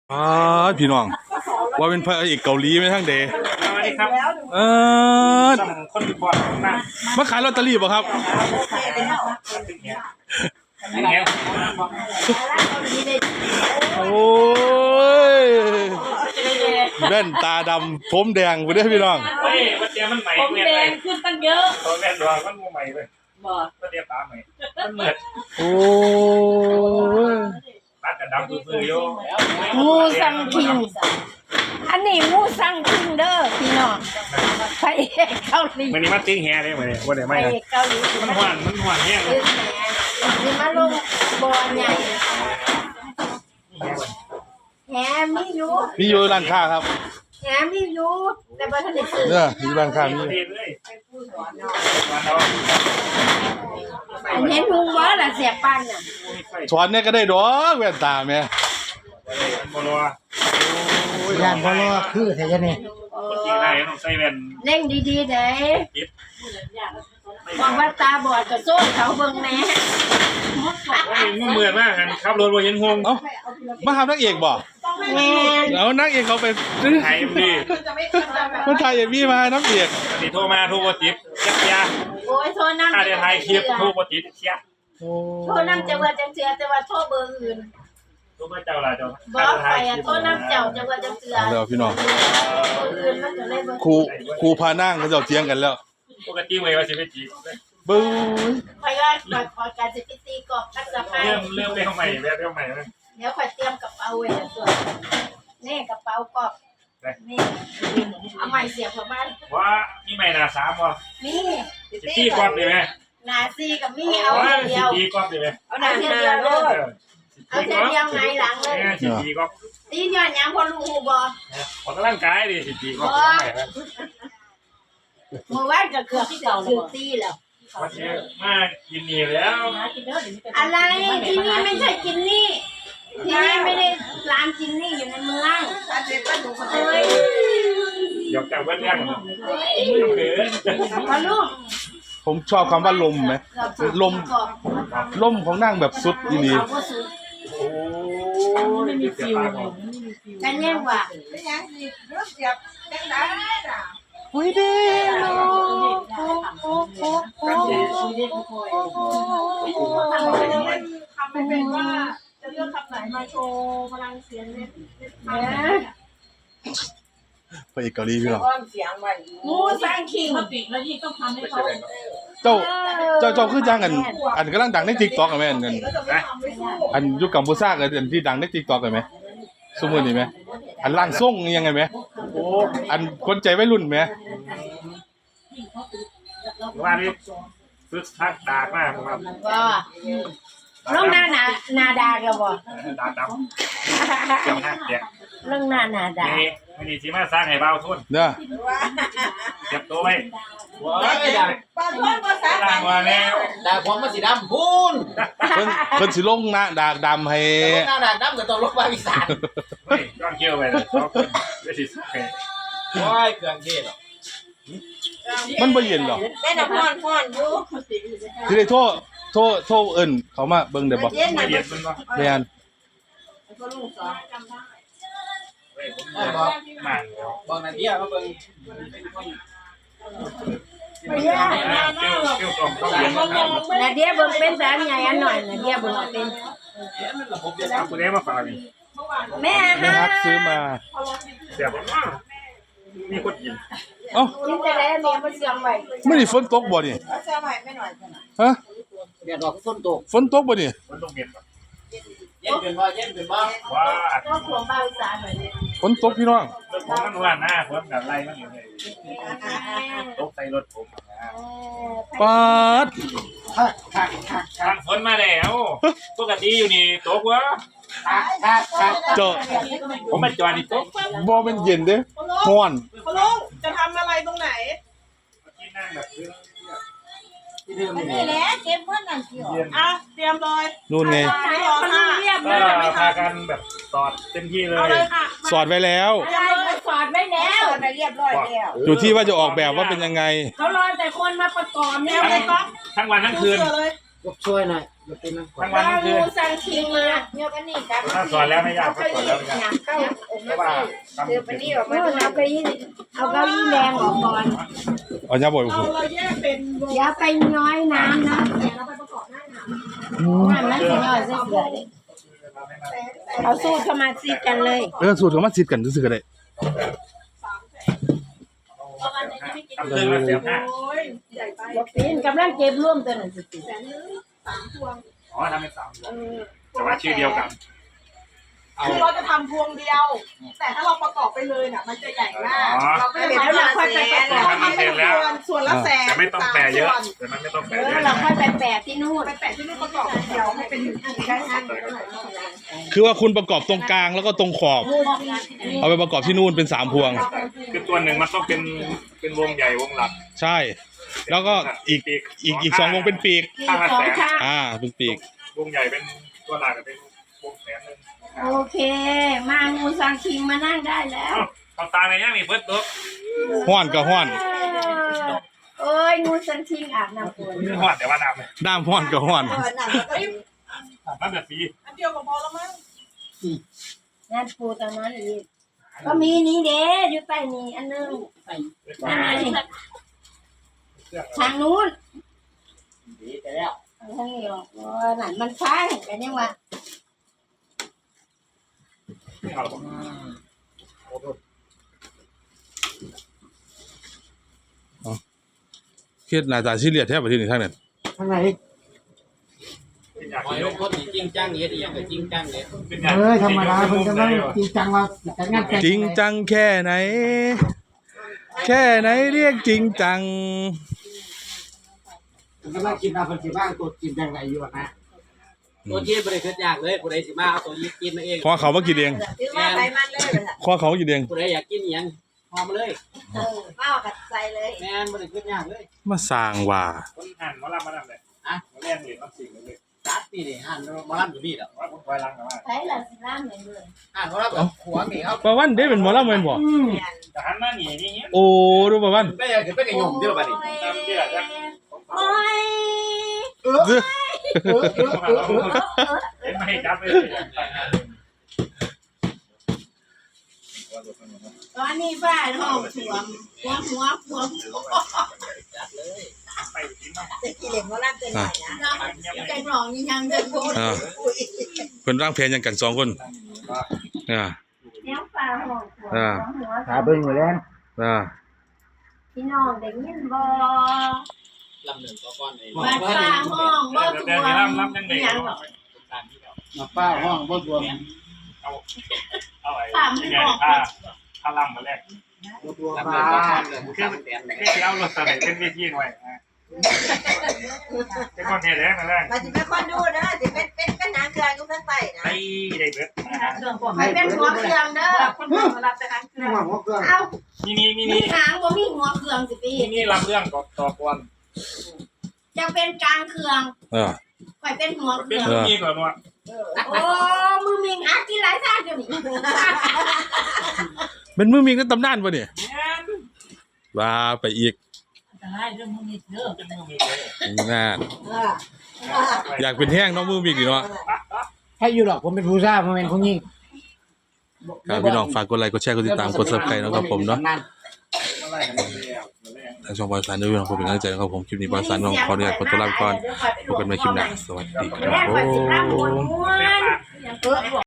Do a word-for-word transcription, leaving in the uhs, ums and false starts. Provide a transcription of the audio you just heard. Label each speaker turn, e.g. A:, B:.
A: อ๋อพี่น้องว่าเป็นพระเอกเกาหลีไหมทั้งเดย์
B: สวัสดีครับ
A: เออ
B: ต้องคนก่อนมา
A: มาขายลอตเตอรี่ป่ะครับ
B: เงี้ย
A: โอ้ยแว่นตาดำผมแดงไปด้วยพี่น้อง
B: เฮ้ยวันเดียวมันใหม่
C: ผม
B: เนี่ย
C: แด
B: เลย
C: งขึ้นตั้งเยอะ
B: ตัวแม่ดวงมันมูใหม่เลย
C: บ่
B: วันเดียวตาใหม่มันเหมือน
A: โอ้ย
B: ตัดกระดำปื้อๆอยู่
C: มูซังคิงอันนี้มูซังคิงเด้อพี่น้องพระเอกเกาหลี
B: วันนี้มันติ้งแฮเลยวันนี้วันเดียว
C: พ
B: ไม่
C: ระ
B: นะ
C: เอกเกาหลี
B: มันหวานมันหวานแห้งเล
C: ยื
B: ย
C: นแหนสิมาลงบอลใหญ่แหมมีอยู่
A: มีอยู่ร้านค้าครับ
C: แหมมีอยู่แต่บ่ทันได้ซื้อ
A: เนี่ยมีร้านค้ามี
B: เรียนเลยวันเรา
C: อันเห็นหุงบ่ล่ะเสียปันน่ะ
A: สอนเนี่ยก็ได้ดอกแว่นตาแม่
B: โมโล
D: ยานพอรอคือแท้จะนี่
B: คนจีนได้ต้องใส่แว่น
C: เล่งดีๆเด้บอกว่าตาบอดก็โซ่เขาเบิ่งแหน่
B: มันเหมือนมากกันขับรถว่าเห็นหง
A: เอ้ามาหานักเอกบ่
C: แม่
A: แล้วนักเอกเขาไป
B: ไทยดี
A: คนไทยเอ็มวีมานักเอก
B: วันนี้โทรมาโทรมาติดเชียยา
C: โอ้ยโทรนำ
B: ถ้าได้ถ่ายคลิปโทรมาติดเชีย
A: โอ้
C: โทรนำจะว่าจังเสือแต่ว่าโทรเบอร์อื่น
B: โทรมาเจ้าละเจ้า
C: บอกไปอ่ะโทษน้ำเจ้าจะว่าจะเสือ
A: เอาแล้วพี่น้อง
C: อื่นมันก็เลยบ่
A: ครูครูพานั่งเขาเจ้าเถียงกันแล้ว
B: ปกติเลยว่าสิไปจีบ
A: บึ้ง
C: คอยว่าคอยคอยการสิไปตีกอบกัสไป
B: เริ่มเริ่มเรื่องใหม่เรื่องใหม่นะ
C: เดี๋ยวคอยเตรียมกระเป๋าไว้แล้วตัวนี่กระเป๋ากอบนี่เอาใหม่เสียบเข้ามา
B: ว่ามีใหม่นาสามวะ
C: นี่
B: สิตีกรอบดีไหม
C: หนาซีกับมีเอา
B: ว่า
C: เดี
B: สิ
C: ยว
B: ตีกรอบดีไหม
C: เอาหนาเดียวเลยเอาเดียวเดียวไงหลังเลย
B: สิตีกรอบ
C: ตีย้อนยังพอลูกบ่
B: ออกกำลังกายดิสิตีกรอบใหม่ครับ
C: เมื่อวานก็เกือบที่เก่าเลยตีแล้ว
B: วันนี้มากินนี่แล้ว
C: อะไรที่นี่ไม่ใช่กินนี่ที่นี่ไม่ได้ร้านกินนี่อยู่ในเมืองเฮ้ย
B: หยอกจากเพื่อนเรื่องเขิน
C: พอลูก
A: ผมชอบคำว่าลมไหมลมลมของนั่งแบบสุดดี
C: เอาบ่สุด
B: โอ้ไม่มีฟิว
C: กันแย่งว่า
A: โอ้ยเด้เนาะ
E: ทำไม่เป็นว่าจะเลือกคำไหนมาโชว์พลังเสียงเน็ต
C: เอ้ย
A: พระเอกเกาหลีพี่น้อง
C: มูสังคิง
A: เจ้าเจ้าเจ้าคือจ้างกัน อันกำลังดังใน TikTok กันแม่นกัน
E: ก็จะไม่ทำไม่สู้
A: อันยุคกัมพูชากันอันที่ดังใน TikTok กันไหมสมมุตินี่ไหมอันล่างส่งยังไงไหมโอ้อันคนใจวัยรุ่นไหม
B: ว่านี่ฝึกทักดากมากครับ
C: บ่ลงหน้าหนาหนาดาก็บ่
B: ดากดำเกี่ยวหักเดีย
C: ลงหน้าหนาดา
B: นี่ไม่ดีสิมาสร้างให้เบาทุน
A: เด้อ
B: เก็บตัวไว้ว้ายได้
E: ปลาทอดภาษา
B: ล่างมาแล้ว
D: ดาบผมมันสีดำพูน
A: เพิ่นเพิ่นสิลงหน้าดากดำให้
D: หน้าดาบดำกับตัวลบไปอีสาน
B: เฮ้ยย้อนเกี่ยวไปเลยสองคนไม่สิสักแค่
D: ว้ายเครื่องเทศหรอ
A: มันบ่เย็นหรอก
E: ได้น้ำพอนพอนอยู่
A: สิได้โทษโทษโทษเอิ้นเขามาเบิ่งได้บ่
E: เย็น
B: ไม่
E: นะ
B: เย็นมันก็
A: แม่น
E: ก็ลูกสอนจำได้
B: เฮ้ยผมเลยบอกมาแล้ว
D: บอกนาเดียมาเบิ่ง
C: ไม่ยาก
B: เกี่ยวเกี่ยวกล่องต้องเย็นนะครับ
C: นาเดียเบิ่งเป็นสามใหญ่อันหน่อยนาเดียเบิ่งเป็น
B: เอาคุณเอ๊มาฝากนี่
C: แม่
A: แม่
C: ฮะ
A: ฮักซื้อมา
B: เสียบมากมีคนกิน
A: เอ้า
C: กินแต่แล้วแม่มาเสียงไว้
A: มื้อนี้ฝนตกบ่นี่
E: แล้วจะใหม่ไม่หน่อย
A: ฮะ
D: เดี๋ยวดอกต้นตก
A: ฝนตกบ่นี่
B: มันต้องเย็น
D: เย็นเป็นบ่เย็นเป็นบ่
B: ว้า
C: ก็ขวงบ้านสารหน่อย
A: ฝนตกพี่น้อง
B: รถผมมันว่าหน้าผมแบบไรมันอยู่เลยตกใส่รถผมนะ
A: ปาด
B: ทางฝนมาแล้วปกติอยู่นี่ตกวะ
A: เจ้า
B: ผมมาจอดนี่ตก
A: บ่แม่นเย็นเด้ร้อน
E: คุณลุงจะทำอะไรตรงไหน
B: ที่นั่งแบบ
D: ที่เดิมนี่
E: นี่แหละเก็บเพื่อนนั่นเกี่ยวอ่ะเตรียมเลย
A: นู่นไง
C: ใช้คนเรียบ
B: ก็
C: เลย
B: พากันแบบตอดเต็มที่เล
E: เอา
B: ย
E: เลยค่ะ
A: สอดไว้แล้ว
C: ใช่เขาสอนไว้แล้ว
E: ไปเรียบร้อยแล้ว
A: อยู่ที่ว่าจะออกแบบว่าเป็นยังไง
C: เขารอแต่คนมาประกอบเนี่ย
E: เตรียมเลยก๊อฟ
B: ทั้งวันทั้งคืน
E: เลย
D: ยกช่วยหน่อยเป็นนั่ง
B: ทั้งวันทั้งคืน
C: สั่งชิงมาเดี๋ยวกันนี่ครับ
B: ถ้าสอนแล้วไม่ยากถ้าสอนแล้วไม่ยาก
C: เข้าอก
B: เพราะว่าทำ
C: เดี๋ยวไปนี่ออกมาเอาเก้าอี้เอาเก้าอี้แรงออกก่อน
A: เอายาบ่อย
E: เอา
A: คุณ
E: เราแยกเป็นวง
C: อย่าไปน้อยน้ำนะ
E: แสนแล้วไปประกอบหน้าหนาว
C: น้ำนั้นสิน้อยเสือเลยเอาสู้เข้ามาซีกันเลย
A: เออสูตรของมันซิดกันซื่อๆก็ได้
B: ทำเครื่องละแสนห้า
E: โอ้ยใหญ่ไป
C: บอกปีนกำลังเก็บร่วมตัวหนึ่งสิ
E: แสนนึงสามพวง
B: อ๋อทำเป็นสามแต่ว่าชื่อเดียวกัน
E: คือเราจะทำพวงเดียว แต่ถ้าเราประกอบไปเลยเนี่ยมันจะใหญ่มากเราก็เลยเราค่อยไปประกอบทำเป็นส่วนส่วนละแสน
B: แต่ไม่ต้องแปลเยอะแต่มันไม่ต้องแปล
C: เอ
B: เย
C: อ
B: อะ
C: เราค่อยไปแปะที่นู่น
E: ไปแปะที่นู่นประกอบเดียวให้เป็นอันนี้ได้ไหม
A: คือว่าคุณประกอบตรงกลางแล้วก็ตรงขอบ เอาไปประกอบที่นู่นเป็นสามพวง
B: คือตัวหนึ่งมันต้องเป็นเป็นวงใหญ่วงหลัก
A: ใช่ แล้วก็อีกอีกอีกสองวงเป็นปีก
B: ข้างละ
C: สอ
B: แส
C: ง
B: น
C: ข้าง
A: อ่าเป็นปีก
B: วงใหญ่เป็นตัวหลักเป็นวงแสนหนึ่ง
C: โอเค มางูสังคิงมานั่งได้แล้ว
B: เอาตาในย่างมีเพิ่มตัว
A: ห้อนก็ห้อน
C: เอ้ยงูสังคิงอาบน้ำฝน
B: หอดแต่ว่าน้ำเลย
A: ด้ามห้อนก็ห้อน
B: น้ำแบบสี
E: อันเดียวก็พอแล้วมั้ง
C: งานปูตอนนั้นอีกก็มีนี้เด้อยู่ใต้นี้อันนึงนั่นไงทางนู้น
D: ดีแต่แล้ว
C: ทางนี้ออกว่านั่นมันฟังกันยังวะ
B: ไม่เอา
A: เครียดหน้าตาซีเรียสแทบไปที่นี่ทั้งนั้น
D: ข้างใน
B: เป็นอยาก
D: หอยลงคนจริงจังเฮ็ดอีหยังก็จริงจังเด้
B: เป็นอยาก
F: เอ้ยธรรมดาเพิ่นกำลังจริงจังว่าแต่งงานแต่ง
A: จริงจังแค่ไหน แค่ไหนเรียกจริงจัง
F: เพิ่นกำลังคิดว่าเพิ่นสิว่างตัวกินจังไดอยู่อะนะ
D: ตัวจีนบ่ได้คิดยากเลยผู้ใดสิมาเอาตัวยีกินมาเอง
A: ขอเขามากินเอง
C: คือว่าไปมันเลย
A: ขอเขามากินเอง
D: ผู้ใดอยากกินอีหยังพอมาเลย
C: เออเมากัดใส่เลย
D: แม่นบ่ได้คิดยากเลย
A: มาสร้างว่า
B: คนหั่นมาลับมาลับเลยอ่ะมาเล่นเหรียญมันสิ่งเลย
D: ตัดนี่ดิหั่นบ่รับอยู่นี่ดอก
B: ว่าผมคอยล้างกันว่า
C: ใส่ละสิล่ามเหมือนเลย
D: หั่นบ่รับแบบหัวนี่ครับ
A: ประวันได้เป็นหมอลำแม่นบ่
B: แต่หันมาหนีนี่
A: โอ้ดูประวัน
D: ได้อยากขึ้นไปกับยมเด้อบัดนี้
B: ตามที่อาจจะ
C: โอ้ย
A: ซื้อ
B: เห็นไม่จับไปเลย
C: ตอนนี้บ้านห้องสวมหัวหัวหัว
D: จัดเลย
B: ไปกินมา
C: จะกินเหล็กว่ารับจะหน่อยนะเนาะใจกรองยังจะพูด
A: อ่าเพิ่นร่างแพนยังกันสองคนอ่า
C: เนี้ยปลาห้องหัว
A: อ่า
C: หัว
F: หาเบิ่งอยู่แล้ว
A: อ่า
C: พี่น้องได้ยินบ่
D: ลำหนึ่งก็ก้อนเอง
C: บ้านปลาห้องบ่
B: เดี๋ยว
C: ตัว
B: เดี๋ยวรับรับยังไง
C: ยังหรอ
F: มาป้าห้องบ่รวม
B: เอาเอาไอ้ยังไงผ้าผ้าล่ำมาแรก
F: บ่รวม
D: ลำหนึ่
F: ป้าง
D: ก็ก้อนเลยผู้ชายแตน
B: ไม่เอารถใส่เป็นเวทีหน่อยเป็นคนเทแรกมาแรก
G: มาจิเป็นคนดูนะจิเป็นเป็นเป็นนางเครื่องยุคนั้นไปนะ
B: ไอ้เด็กเบิด
C: ไม่เป็นหัวเครื่องเด้อ
E: คนเดียวรับแต่ทางเครื่
F: นี่
E: อง
F: ห้องหัวเครื่อง
C: เอา
B: นี่นี่นี่
C: มี
B: นี่
C: หางบ่มีหัวเครื่องสิปี
B: นี่นี่รับเรื่องต่อต่อกวน
C: จะเป็นกลางเครื่อง
A: อ่า
C: ค่อยเป็นหัวเค
B: เป็
C: รื่
B: น
C: อง
B: มีก่อนว่า
C: โอ้มือมิงหากินหลายชาติอยู่นี่
A: เป็นมือมีกันตำนานป่ะเนี่ยว่าไปอีก
B: เป็นมือมีเลย
A: น่าอยากเป็นแห้งเน้องมือมีอีกเนาะ
F: ให้อยู่หรอกผมเป็นผู้ชายผมเป็นผู้หญิง
A: ครับพี่น้องฝากกดไลค์กดแชร์กดติดตามกด Subscribe นะครับผมเนาะ
B: อะไรกันเนี่ย
A: ทางช่องบอยสารด้วยพี่น้องผมเป็นกำลังใจนะครับผมคลิปนี้บอยสารน้องขออนุญาตขอตัวลาไปก่อนพบกันใหม่คลิปหน้าสวัสดีครับ
C: แม่
A: ผ
C: ข่อยสิรับหัว
A: ม
C: ม้วน